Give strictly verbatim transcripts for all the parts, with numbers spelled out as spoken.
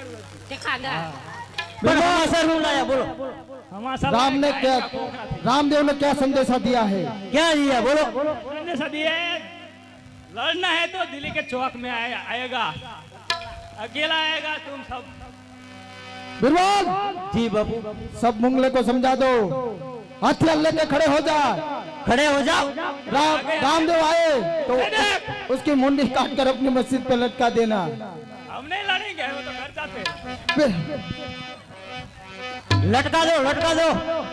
बोलो राम ने क्या रामदेव ने क्या संदेशा दिया है? क्या दिया बोलो। संदेशा दिया है लड़ना है तो दिल्ली के चौक में आए, आएगा अकेला आएगा तुम सब। बिरबल जी बाबू सब मुंगले को समझा दो हथियार लेके खड़े हो जा खड़े हो जाओ। राम रामदेव आए तो उसकी मुंडी काट कर अपनी मस्जिद पे लटका देना। हम नहीं लड़ेंगे वो तो घर जाते। लटका दो लटका दो।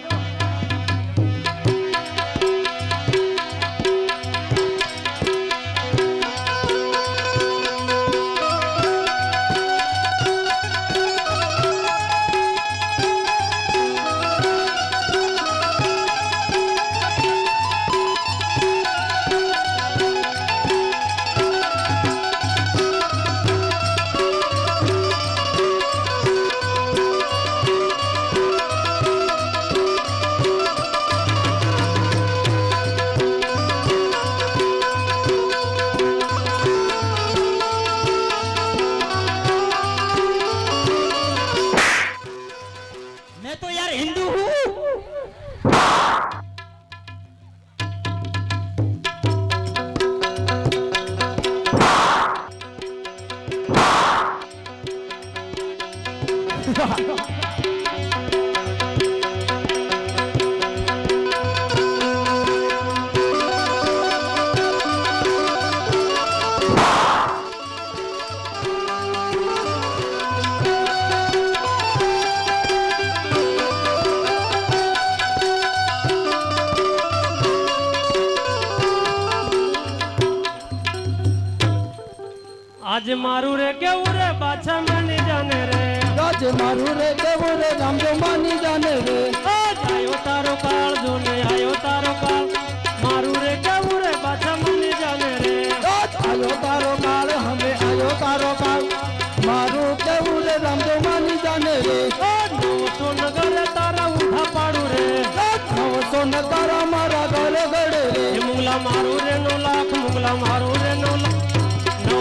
आज मारू रे केवू रे बाछा मानी जाने रे। आज मारू रे केवू रे रामदेव मानी जाने रे। आज आयो तारो काल जो ने आयो तारो काल मारू रे केवू रे बाछा मानी जाने रे। आज आयो तारो काल हमें आयो तारो काल मारू केवू रे रामदेव मानी जाने रे। नौ सौ नगर तारा उठा पाड़ू रे। नौ सौ नगारा मारा गले गड़े रे। मुंगला मारू रे नौ लाख मुंगला मारू रे नौ लाख नौ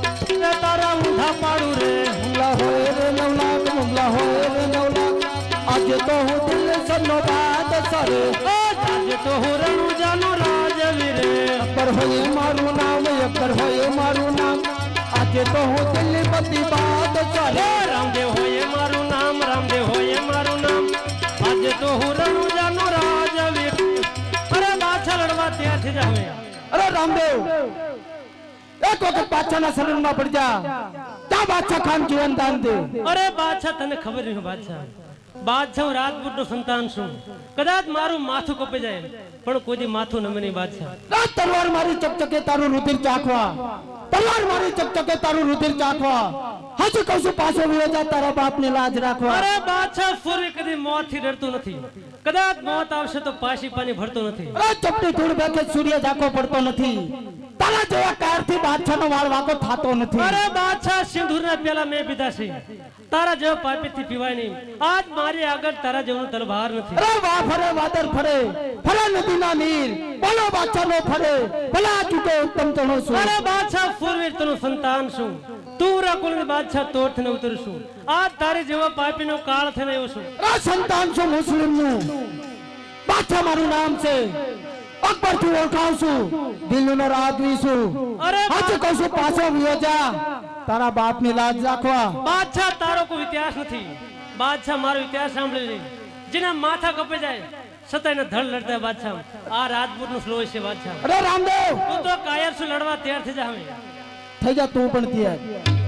तारा उठा पाड़ू रे। मुंगला होए रे नौ लाख मुंगला होए रे नौ लाख आज तो हूँ दिल सन्नो बात सरे। आज तो हूँ रणु जानो राजवीर अकबर होए मारू नाम अकबर होए मारू नाम आज तो हूँ दिल बती बात सरे। रामदेव होए मारू नाम रामदेव होए मारू नाम आज तो हूँ रणु जानो राजवीर। अरे बाछा लड़वा तैयार थी जावे। अरे रामदेव एक वक्त बादशाह ना शरण में पड़ जा क्या बादशाह खान जीवन दान दे। अरे बादशाह तने खबर नहीं बादशाह बादशाह राजपूत नो संतान छू कदाच मारू माथु कपे जाए पण कोई माथु न मनी बादशाह। तलवार मारी चकचके तारू रुधिर चाखवा तलवार मारी चकचके तारू रुधिर चाखवा हजी कसु पाछो वियो जा तारा बाप ने लाज राखवा। अरे बादशाह सूर्य कदी मौत थी डरतो નથી कदाच मौत आवશે તો પાછી પાણી ભરતો નથી। अरे चपटी धूળ બેકે સૂર્ય જાકો પડતો નથી તારા જેવા કારથી બાદશાહનો વાળ વાકો થાતો નથી। અરે બાદશાહ સિંદૂરના પેલા મે પીધા છે તારા જેવો પાપીથી પીવાય નહીં। આજ મારી આગળ તારા જેવું તલવાર નથી। અરે વાહ ફરે વાદર ફરે ફરે નદીના નીર બોલો બાદશાહનો ફરે ભલા ચૂકે ઉત્તમ તણો છું। અરે બાદશાહ ફૂરવીર તનો સંતાન છું તું રકુલની બાદશાહ તોઠને ઉતરશું આજ તારી જેવો પાપીનો કાળ થઈને આવ્યો છું। અરે સંતાન છું મુસ્લિમનું બાદશાહ મારું નામ છે અકબર થી ઓળખાવ છું દિલ્હીનો રાજવી છું। અરે આજે કહું છું પાછો વિયો જા તારા બાપની લાજ રાખવા। બાદશાહ તારો કોઈ ઇતિહાસ નથી બાદશાહ મારો ઇતિહાસ સાંભળી લે જેના માથા કપે જાય સતાયને ધડ લડતા બાદશાહ આ રાજપૂતનું સ્લો છે બાદશાહ। અરે રામદેવ તું તો કાયર છું લડવા તૈયાર થઈ જા હવે થઈ જા તું પણ તૈયાર।